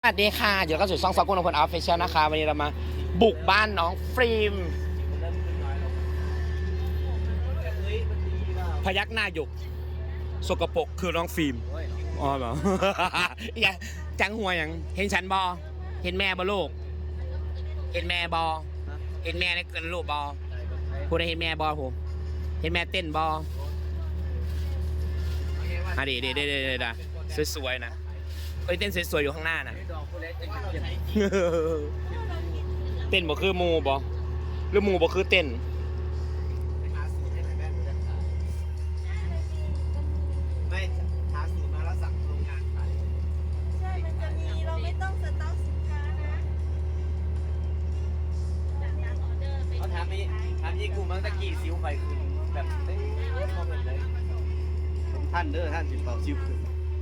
สวัสดีค่ะเดี๋ยวก็สู่ช่องซอกกุ้งนพลออฟฟิเชียลนะคะวันนี้เรามาบุกบ้านน้องฟิล์มพยักหน้าหยกสกปรกคือน้องฟิล์มอ๋อเหรอ อย่าจังหัวอย่างเห็นฉันบอเห็นแม่บอลูกเห็นแม่บอเห็นแม่ในเกินลูกบอพูดได้เห็นแม่บอผมเห็นแม่เต้นบออ่ะดีสวยๆนะเอ้ยเต้นสวยๆอยู่ข้างหน้านะเต้นบ่คือมูบ่หรือมูบ่คือเต้นไม่หาสูตรมาแล้วสั่งโรงงานขายใช่ มันจะมีเราไม่ต้องสต็อกสินค้านะเขาถามยี่กูมั้งตะกี้ซิวไฟขึ้นแบบเฮ้ยมองเลยท่านเด้อท่านสิเป่าซิวขึ้น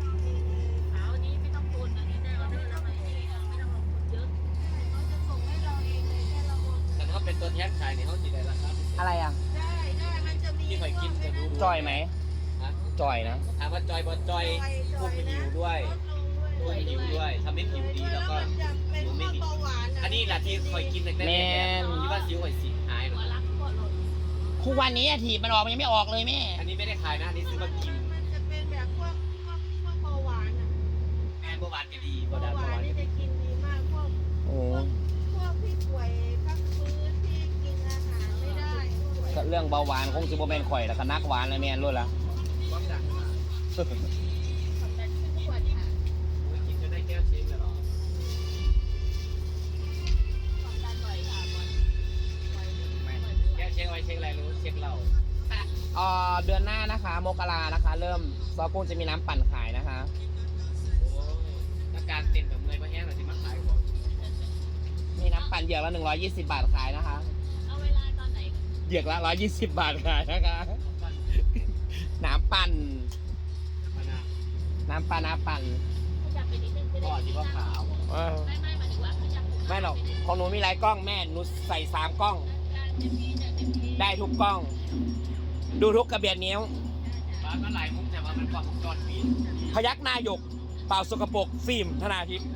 แต่ถ้าเป็นตัวแทนขายเนี่ยเขาจีได้ราคาอะไรอ่ะได้มันจะมีที่ไฟกินจะดูจอยไหมจอยนะถามว่าจอยบอลจอยคุมหิวด้วยคุมหิวด้วยทำให้ผิวดีแล้วก็ผิวไม่มีอันนี้แหละที่คอยกินแต่แม่ที่ว่าซิวไฟสีหายหรอทุกวันนี้ถีบมันออกมันยังไม่ออกเลยแม่อันนี้ไม่ได้ขายนะอันนี้ซื้อมากินมันจะเป็นแบบพวกเบาหวานอ่ะแม่เบาหวานก็ดีเบาหวานนี่จะกินดีมากพวกที่ป่วยพักฟื้นที่กินอาหารไม่ได้ก็เรื่องเบาหวานคงจะโมเมนข่อยแล้วก็นักหวานเลยแม่รู้ละกินจนได้แก้วเช็คเลยหรอแก้วเช็คไว้เช็คอะไรรู้เช็คเราเดือนหน้านะคะมกรานะคะเริ่มซอกุ้งจะมีน้ำปั่นขายนะคะถ้าการเต้นแบบเงยมาแห้งหน่อยสิมาขายของมีน้ำปั่นเหยือกละ120 บาทขายนะคะเอาเวลาตอนไหนเหยือกละ120 บาทขายนะคะน้ำปั่นพ่อที่ว่าขาวไม่หรอกของหนูมีหลายกล้องแม่หนูใส่3 กล้องได้ทุกกล้อง ดูทุกกระเบียดนิ้วร้านมาหลายมุกแต่ว่ามันกว่าก่อนปีพยักหน้าหยกเป่าสกปรกฟิล์มธนาทิพย์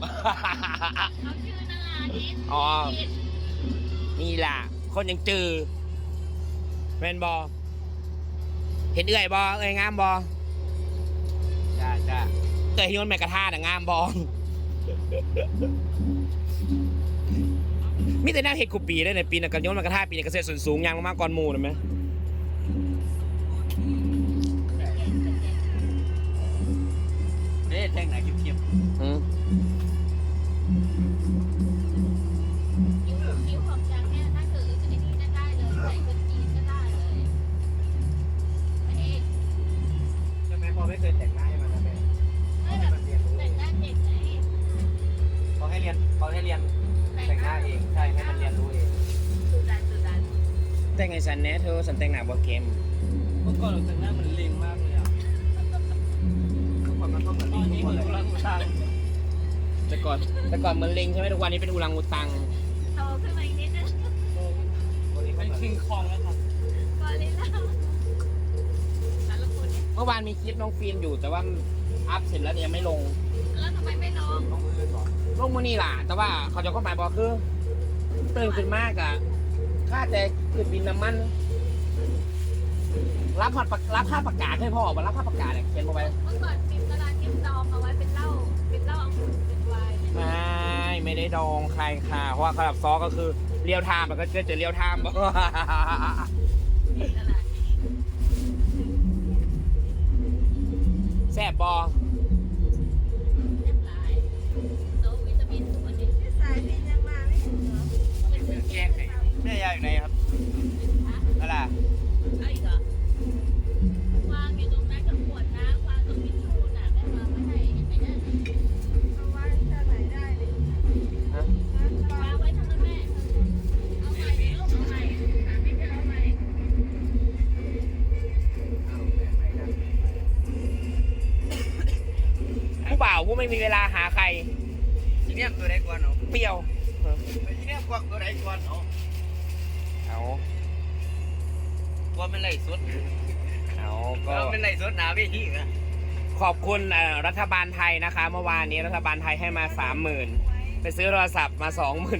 อ๋อนี่ล่ะคนยังจือแมนบอเห็นเอื่อยบอเอื่อยงามบอจ้าเอื่อยฮิวแมกกระทาแต่งามบอมิแต่หน้าเห็ดกูปีได้ในปีนักการโยนแมกกระทาปีในเกษตรส่วนสูงยังมากก่อนหมู่นะไหมแท่งไหนเทียบคิ้วของจังเนี่ยถ้าเกิดจะนี่ได้เลยใส่เป็นจีนก็ได้เลยใช่ไหมพอไม่เคยแต่งหน้าให้มันนะแม่ไม่แบบแต่งหน้าเด็กไงเขาให้เรียนแต่งหน้าเองใช่ให้มันเรียนรู้เองสุดาแต่งไงสันแน่เธอสันแต่งหน้าบ่เกมเมื่อก่อนเราแต่งหน้ามันเล็งมากเลยอ่ะเมื่อก่อนมันต้องเหมือนลิงทุกคนเลยแต่ก่อนเหมือนลิงใช่ไหมทุกวันนี้เป็นอุรังอุตังโตขึ้นมาอีกนิดนึงเป็นคิงคองแล้วครับก่อนเลยนะแต่ละคนเมื่อวานมีคลิปน้องฟิล์มอยู่แต่ว่าอัพเสร็จแล้วยังไม่ลงแล้วทำไมไม่ลงลงมือนี่ล่ะแต่ว่าเขาจะข้อหมายบอกคือตื่นขึ้นมากอะค่าแต่คือบินน้ำมันรับค่าประกาศให้พ่อมารับค่าประกาศเนี่ยเขียนมาไว้เมื่อก่อนฟิล์มกระดาษที่ดองเอาไว้เป็นเหล้าองุ่นเป็นไวน์ไม่ได้ดองใครค่ะเพราะว่าระดับซอก็คือเรียวไทม์มันก็จะเรียวไทม์แซ่บบอแก้ไขแม่ยายอยู่ไหนครับอะไรวางอยู่ตรงนั้นกับขวดน้ำวางตรงทิชชู่น่ะแม่วางไว้ให้เห็นไหมเนี่ยเอาไว้ทางไหนได้เลยวางไว้ทางนั้นแม่เอาใหม่ลูกเอาใหม่ไม่เป็นเอาใหม่ผู้บ่าวผู้ไม่มีเวลาหาใครทีนี้ตัวไหนก่อนเนาะเปรี้ยวทีนี้กวางตัวไหนก่อนเนาะเอากวางเป็นไรสุดเอาก็เป็นไรสุดหนาวิธีนะขอบคุณรัฐบาลไทยนะคะ เมื่อวานนี้รัฐบาลไทยให้มา 30,000ไปซื้อโทรศัพท์มา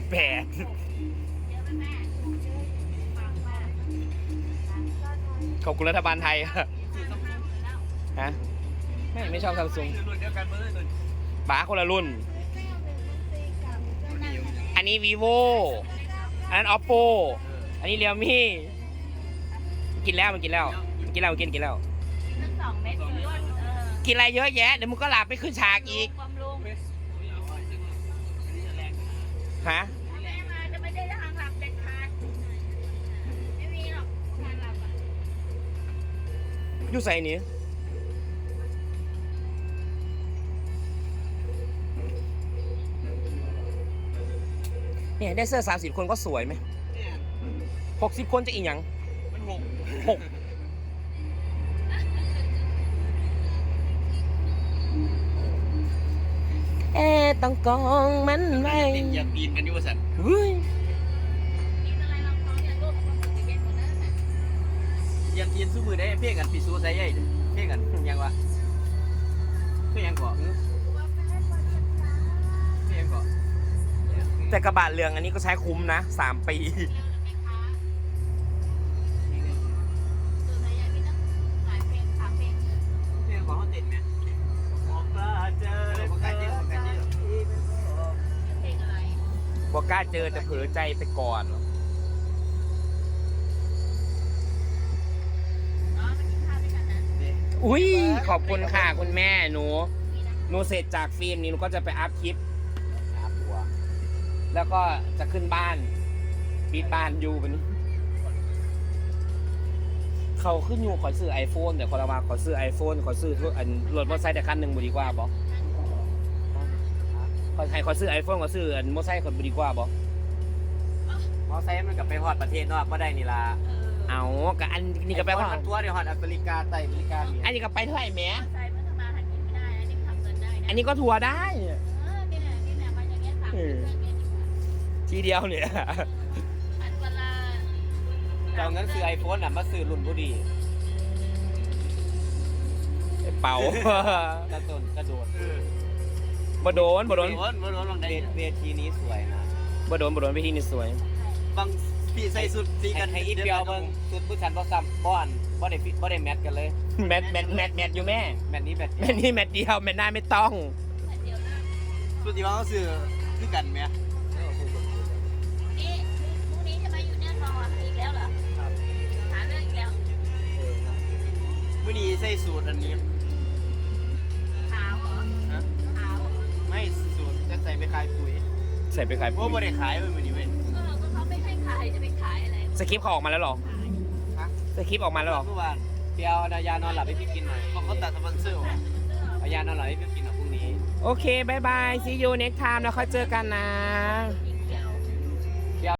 28,000ขอบคุณรัฐบาลไทย ฮะไม่ชอบซัมซุงรุ่นเดียวกันเลยบ้าคนละรุ่น อันนี้ vivo อันนั้น oppo อันนี้ realme กินแล้วมันกินแล้วกินแล้วกินแล้วทั้ง2 เม็ดสีอ้วนกินอะไรเยอะแยะเดี๋ยวมึงก็หลับไปขึ้นฉากอีกความลุงฮะแม่มาจะไม่ได้ทางหลับเด็ดขาดไม่มีหรอกทางหลับอ่ะอยู่ใส่นี้เนี่ยได้เสื้อ30 คนก็สวยไหม60 คนจะอีกอย่างมันหก 6ต้องกองมันไว้ติดอยากปีนกันอยู่สัตว์เฮ้ยกินอะไรลองท้องเนี่ยลูกมันจะเย็นหมดแล้วน่ะอยากปีนสู้มือได้เพ่งกันปีสู้ใส่ใหญ่เพ่งกันยังวะเพ่งยังก่อเพ่งยังก่อแต่กระบะเหลืองอันนี้ก็ใช้คุ้มนะ3 ปีเร็วนะแม่ค้าตัวไหนยังมีตั้งหลายเพลง3 เพลงเพ่งก่อเขาติดไหมบอกว่าเจอบอกกันเยอะบอกกันเยอะเพลงอะไรบอกกล้าเจอแต่เผลอใจไปก่อนอ๋อมากินข้าวด้วยกันนะอุ้ยขอบคุณค่ะคุณแม่หนูเสร็จจากฟิล์มนี้หนูก็จะไปอัพคลิป แล้วก็จะขึ้นบ้านปิดบ้านอยู่แบบนี้เขาขึ้นอยู่ขอซื้อ iPhone แต่คนละว่าขอซื้อ iPhone ขอซื้ออันรถมอเตอร์ไซค์แต่คันหนึ่งบุดีกว่าบอกขอซื้อ iPhone ขอซื้ออันมอเตอร์ไซค์คนบุดีกว่าบอกมอไซค์มันกับไปฮอดประเทศนอกก็ได้นี่ล่ะเอากับอันนี้ก็ไปว่าทัวร์เดี๋ยวฮอดอเมริกาใต้อเมริกาเนี่ยอันนี้ก็ไปเท่าไหร่แหม่ใจเมื่อทำมาหากินไม่ได้อันนี้ทำเงินได้นะอันนี้ก็ทัวร์ได้นี่แหละมาอย่างเงี้ย3 เดือนเดือนดีกว่าทีเดียวเนี่ยอันเวลาเจ้าเงินซื้อไอโฟนน่ะมาซื้อรุ่นบุดีเป่ากระโดดกระโดดบ่โดนเวทีนี้สวยนะบ่โดนไปที่นี่สวยบางพี่ใส่สุดสีกันให้อีเปียวเบิ่งสุดผู้ชันบ่ซ้ำบ่อนบ่ได้ฟิตบ่ได้แมทกันเลยแมทอยู่แม่แมทนี้แมทแมทนี่แมทเดียวแมทหน้าไม่ต้องเดียวนะสุดที่ว่าเขาซื้อคือกันแหมนี่พรุ่งนี้จะมาอยู่เนี่ยนอนอีกแล้วเหรอหาเรื่องอีกแล้วมื้อนี้ใส่สูตรอันนี้ขาวเหรอฮะขาวไม่สูตรจะใส่ไปขายปุ๋ยใส่ไปขายโอ้บ่ได้ขายเว้ยมื้อนี้เว้ยก็เขาไม่ให้ขายจะไปขายอะไรสคริปต์เขาออกมาแล้วเหรอขายฮะสคริปต์ออกมาแล้วเหรอเมื่อวานเปียวยานอนหลับให้พี่กินหน่อยเขาตัดสปอนเซอร์ว่ะเอายานอนหลับให้พี่กินหน่อยพรุ่งนี้โอเคบายบาย see you next time แล้วค่อยเจอกันนะอี